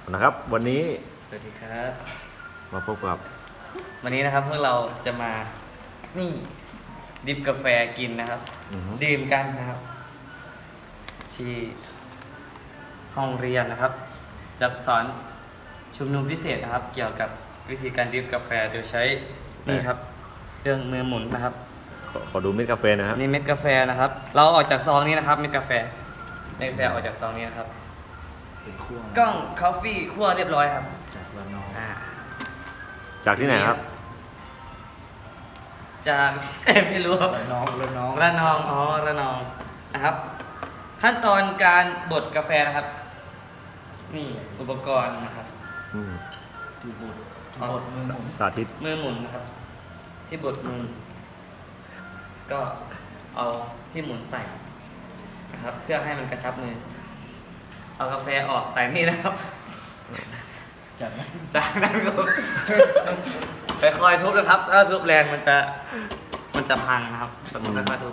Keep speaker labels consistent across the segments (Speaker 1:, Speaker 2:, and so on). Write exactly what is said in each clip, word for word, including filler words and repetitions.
Speaker 1: นะครับวันนี้
Speaker 2: สวัสดีครับ
Speaker 1: มาพบกับ
Speaker 2: วันนี้นะครับพวกเราจะมานี่ดิบกาแฟกินนะครับดื่มกันนะครับ ที่ห้องเรียนนะครับจะสอนชุมนุมพิเศษนะครับ เกี่ยวกับวิธีการดิบกาแฟโดยใช้นี่ครับเครื่องมือหมุนนะครับ
Speaker 1: ขอขอดูเม็ดกาแฟนะครับ
Speaker 2: นี่เม็ดกาแฟนะครับ เราออกจากซองนี้นะครับเม็ดกาแฟเม็ดกาแฟออกจากซองนี้นะครับกล้องคอฟฟี่คั่วเรียบร้อยครับ
Speaker 3: จากระนอง
Speaker 1: จากที่ไหนครับ
Speaker 2: จากไม่รู้
Speaker 3: ระนองระนอง
Speaker 2: ระนองอ๋อระนองนะครับ ขั้นตอนการบดกาแฟนะครับ นี่อุปกรณ์นะครับ
Speaker 1: อืม
Speaker 3: ที่บดที่บดมือหมุน
Speaker 1: สาธิต
Speaker 2: มือหมุนนะครับ ที่บดมือก็เอาที่หมุนใส่นะครับ เพื่อให้มันกระชับมือเอากาแฟออกใส่นี่นะครับ
Speaker 3: จากนั้น
Speaker 2: จากนั้นก็ไปคอยทุบนะครับ ถ้าทุบแรงมันจะมันจะพังนะครับต้องค่อยๆทุบ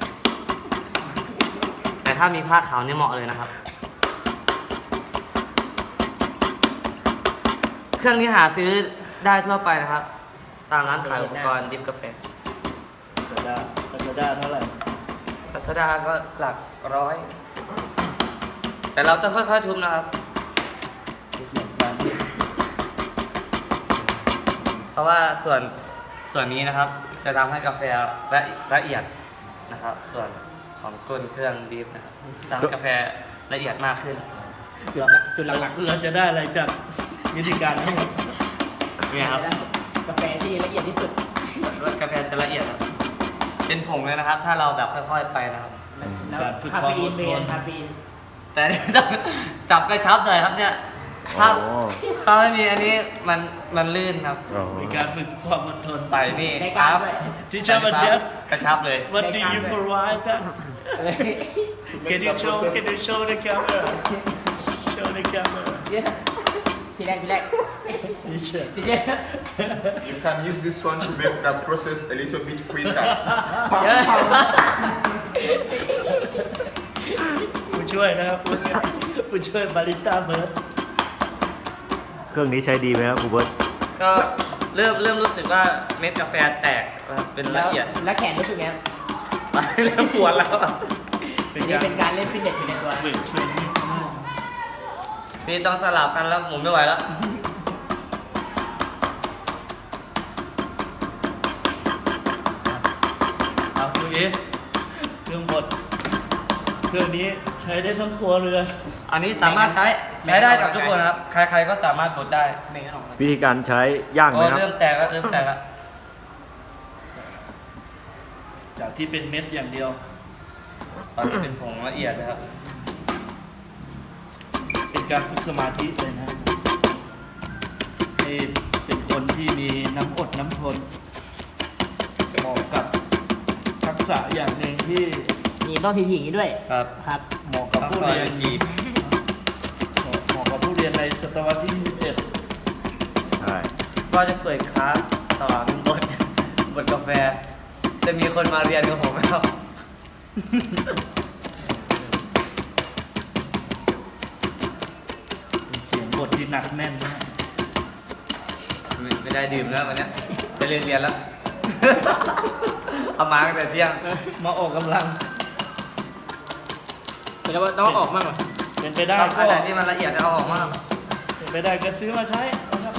Speaker 2: แต่ถ้ามีผ้าขาวเนี่ยเหมาะเลยนะครับ เครื่องนี้หาซื้อได้ทั่วไปนะครับ ตามร้านขายอุปกรณ์ดิบกาแฟ
Speaker 3: สดาสดาเท่าไหร่
Speaker 2: ลาซาด้าก็หลักร้อย แต่เราต้องค่อยๆทุบนะครับ
Speaker 3: ทุกเหมือนกัน
Speaker 2: เพราะว่าส่วนส่วนนี้นะครับ จะทำให้กาแฟละละเอียดนะครับ ส่วนของก้นเครื่องดิฟนะครับทำให้กาแฟละเอียดมากขึ้น
Speaker 3: จุดจุดหลักๆเราจะได้อะไรจากวิธีการนี้
Speaker 2: เนี่ยครับ
Speaker 4: กาแฟที่ละเอียดที่สุด
Speaker 2: กาแฟจะละเอียดครับเป็นผงเลยนะครับ ถ้าเราแบบค่อยๆไปนะครับ
Speaker 4: แล้วคาเฟอีนเบนคาเฟอีน
Speaker 2: แต่ต้องจับกระชับหน่อยครับเนี่ยถ้า
Speaker 1: โอ้
Speaker 2: ถ้าไม่มีอันนี้มันมันลื่นครับ
Speaker 1: อ๋อ
Speaker 3: มีการฝึกความอดทน
Speaker 2: ใส่นี่
Speaker 4: ใน
Speaker 2: ค
Speaker 4: การ
Speaker 2: รับ
Speaker 4: ด้วย
Speaker 3: ที่ชอบมาเทียบ
Speaker 2: กระชับเลย
Speaker 3: What do you provide that Can you show Can you show the camera Show the camera
Speaker 4: พี่แรกพี่แรก
Speaker 3: Teacher
Speaker 4: พี่เจ้
Speaker 5: You can use this one to make that process a little bit quicker.
Speaker 3: ผู้ช่วยนะครับผู้ช่วยบาริสต้าเบิร์ด
Speaker 1: เครื่องนี้ใช้ดีไหมครับครูเบิร์ต
Speaker 2: ก็เริ่มเริ่มรู้สึกว่าเม็ดกาแฟแตกนะครับเป็นละเอียด
Speaker 4: แล้วแขนรู้สึกไง
Speaker 2: เริ่มปวดแล้ว
Speaker 4: อันนี้เป็นการเล่นฟิตเนสอยู่ในตัว
Speaker 3: เวทเทรนนิ่ง
Speaker 2: พี่ต้องสลับกันแล้วผมไม่ไหวแล้ว
Speaker 3: เอาเครื่องนี้เครื่องบดเครื่องนี้ใช้ได้ทั้งครัวเรือน
Speaker 2: อันนี้สามารถใช้ใช้ได้กับทุกคนนะครับ ใครๆก็สามารถบดได้
Speaker 4: เบ่งกันออกมา
Speaker 1: วิธีการใช้ยากไหม
Speaker 2: โอ้
Speaker 1: ครับ
Speaker 2: เริ่มแตกแล้วเริ่มแตกแล้ว
Speaker 3: จากที่เป็นเม็ดอย่างเดียว
Speaker 2: ตอนนี้เป็นผงละเอียดนะครับ
Speaker 3: เป็นการฝึกสมาธิเลยนะให้เป็นคนที่มีน้ำอดน้ำทนเหมาะกับทักษะอย่างหนึ่งที่
Speaker 4: นี่ต้องถี่ๆอย่างนี้ด้วย
Speaker 2: ครับ
Speaker 4: ครับ
Speaker 3: เหมาะกับ
Speaker 2: ต้อง
Speaker 3: ผู้
Speaker 2: ซอย
Speaker 3: เรียน
Speaker 2: ทีบ
Speaker 3: เหมาะกับผู้เรียนในศตวรรษที่ยี่สิบเอ็ด
Speaker 1: ใช่
Speaker 2: ก็จะเปิดคลาสสอนบดบดกาแฟ จะมีคนมาเรียนกับผมไหมครับ
Speaker 3: เป็นเสียงบทที่หนักแน่นนะ
Speaker 2: ไม่ไม่ได้ดื่มแล้ววันเนี้ยไปเรียนเรียนแล้ว เอามาตั้งแต่เที่ยง
Speaker 3: มาออกกำลัง
Speaker 4: แต่ว่าต้องออกมากกว่า
Speaker 3: เป็นไปได้
Speaker 2: ตอน
Speaker 3: ก็
Speaker 2: อันไหนที่มันละเอียดจะเอาออกมาก
Speaker 3: เป็นไปได้ก็ซื้อมาใช้นะครับ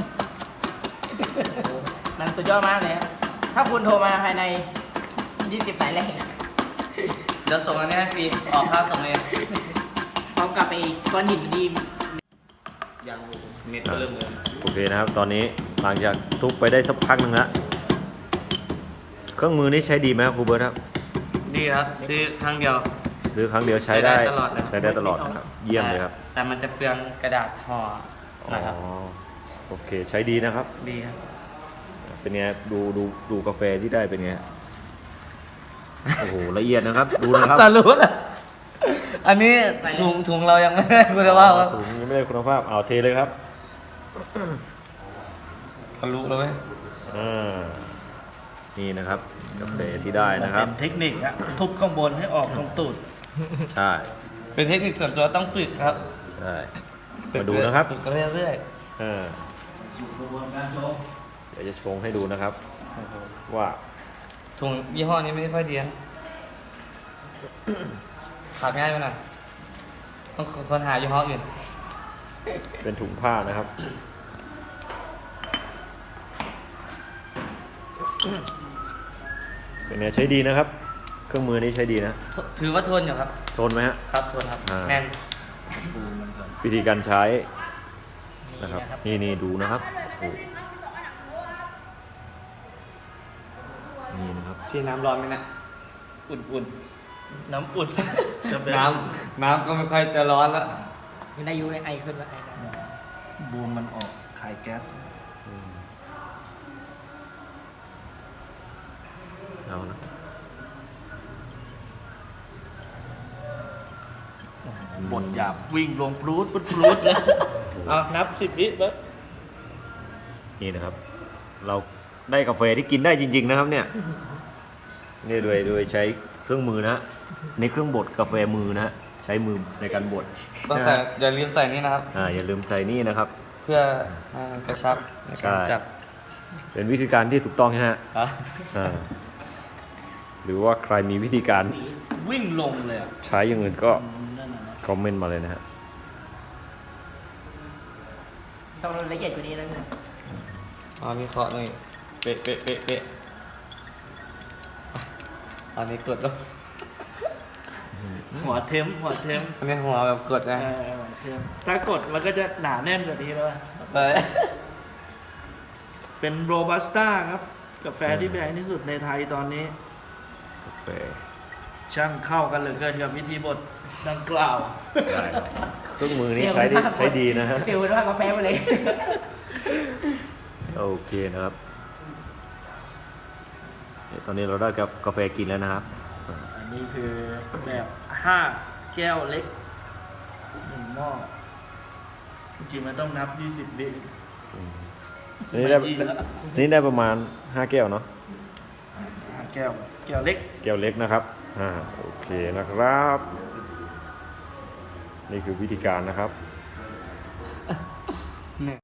Speaker 4: มันสุดยอดมากเลยครับถ้าคุณโทรมาภายในยี่สิบสายแรก
Speaker 2: เดี๋ยวส่งอันนี้ให้ฟรีออกค่าส่งเอง
Speaker 4: พร้อมกับไอ้ก้อนหินดี
Speaker 2: ยังเม็ดก็เริ่มเลย
Speaker 1: โอเคนะครับ ตอนนี้หลังจากทุบไปได้สักพักหนึ่งแล้วเครื่องมือนี้ใช้ดีไหมครับครูเบิร์ตครับ
Speaker 2: ดีครับ ซื้อครั้งเดียว
Speaker 1: ซื้อครั้งเดียวใช้ได้
Speaker 2: ใช้ได้ตลอดนะ
Speaker 1: ใช้ได้ตลอดนะครับเยี่ยมเลยครับ
Speaker 2: แต่มันจะเปลืองกระดาษห่อ
Speaker 1: อ๋
Speaker 2: นะครับ
Speaker 1: อโอเคใช้ดีนะครับ
Speaker 2: ดีครับ
Speaker 1: เป็นไงดูดูดูกาแฟที่ได้เป็นไงโอ้โหละเอียดนะครับดูนะครับ
Speaker 2: สรุปแล้วอันนี้ถุงถุงเรายังไม่ได้คุณภาพครับ
Speaker 1: ถุงยังไม่ได้คุณภาพเอาเทเลยครับ
Speaker 2: ทะลุแล้วไหม
Speaker 1: อ่านี่นะครับกาแฟที่ได้นะครับ
Speaker 3: เป็นเทคนิคอะทุบข้างบนให้ออกตรงตูด
Speaker 1: ใช่
Speaker 2: เป็นเทคนิคส่วนตัวต้องฝึกครับ
Speaker 1: ใช่มาดูนะครับ
Speaker 2: ฝึกกันเรื่อย
Speaker 1: อ่า
Speaker 3: สู่กระบวนการชง
Speaker 1: เดี๋ยวจะชงให้ดูนะครับ ว่า
Speaker 2: ๆถุงยี่ห้อนี้ไม่ค่อยดีนะขาดง่ายไปหน่อยต้องคนหายี่ห้ออื่น
Speaker 1: เป็นถุงผ้านะครับ เป็นไงใช้ดีนะครับ เครื่องมือนี้ใช้ดีนะ
Speaker 2: ถือว่าทนอยู่ครับ
Speaker 1: ทนไหมฮะ
Speaker 2: ครับทนครับ
Speaker 1: อ่า
Speaker 2: แน่น
Speaker 3: ดูมันก่อน
Speaker 1: วิธีการใช้
Speaker 4: นี่
Speaker 1: นะครับ
Speaker 4: นะครับ
Speaker 1: นี่นี่ดูนะครับโอ้นี่นะครับ
Speaker 2: ที่น้ำร้อนไหมนะ
Speaker 3: อุ่นๆ น้ำอุ่นกาแฟ
Speaker 2: น้ำน้ำก็ไม่ค่อยจะร้อนแล้ว
Speaker 4: ยังได้อยูในไอขึ้นแล้วไอได้
Speaker 3: บูมมันออกขายแก๊ส
Speaker 1: อืมเอานะ
Speaker 3: บดหยาบวิ่งลงปลูดปลูดปลูดเลยเอานับสิบวิเบิร์ด
Speaker 1: นี่นะครับ เราได้กาแฟที่กินได้จริง ๆ นะครับ เนี่ยนี่โดยโดยใช้เครื่องมือนะฮะในเครื่องบดกาแฟมือนะฮะใช้มือในการบด
Speaker 2: ต้องใส่อย่าลืมใส่นี่นะครับ
Speaker 1: อ่าอย่าลืมใส่นี่นะครับ
Speaker 2: เพื่อให้มันกระชับในการ
Speaker 1: ใช่
Speaker 2: จับ
Speaker 1: เป็นวิธีการที่ถูกต้องใช่ไหมฮะ
Speaker 2: อ่ะ
Speaker 1: อ่าหรือว่าใครมีวิธีการ
Speaker 3: วิ่งลงเลยอ่ะ
Speaker 1: ใช้อย่างอื่นก็
Speaker 3: อืมนั่นน่ะนะ
Speaker 1: คอมเมนต์มาเลยนะฮะ
Speaker 4: ต้องละเอียดกว่านี้แล้วนะ
Speaker 2: อ๋อมีเคาะหน่อยเป๊ะเป๊ะเป๊ะเป๊ะอันนี้กดลง
Speaker 3: หัวเทมหัวเทม
Speaker 2: อันนี้หัวแบบกด
Speaker 3: เอ
Speaker 2: นะ
Speaker 3: อหัวเทมถ้ากดมันก็จะหนาแน่นกว่านี้แล้วอะ
Speaker 2: ใส่
Speaker 3: เป็นโรบัสต้าครับกาแฟที่แพงที่สุดในไทยตอนนี้
Speaker 1: กาแฟ
Speaker 3: ช่างเข้ากันเหลือเกินกับพิธีบทดังกล่าว
Speaker 1: ใช่เครื่องมือนี้ใช้ดีใช้ดีนะฮะ
Speaker 4: ฟิลเป็นว่ากาแฟมาเลย
Speaker 1: โอเคนะครับตอนนี้เราได้กับกาแฟกินแล้วนะครับ
Speaker 3: อันนี้คือแบบห้าแก้วเล็กหนึ่งหม้อจริงๆมันต้องนับยี่สิบวิ
Speaker 1: อันนี้ได้
Speaker 3: ไม่ดีแล้ว
Speaker 1: อันนี้ได้ประมาณห้าแก้วเนาะ
Speaker 3: ห้าแก้วแก้วเล็ก
Speaker 1: แก้วเล็กนะครับอ่าโอเคนะครับ นี่คือวิธีการนะครับ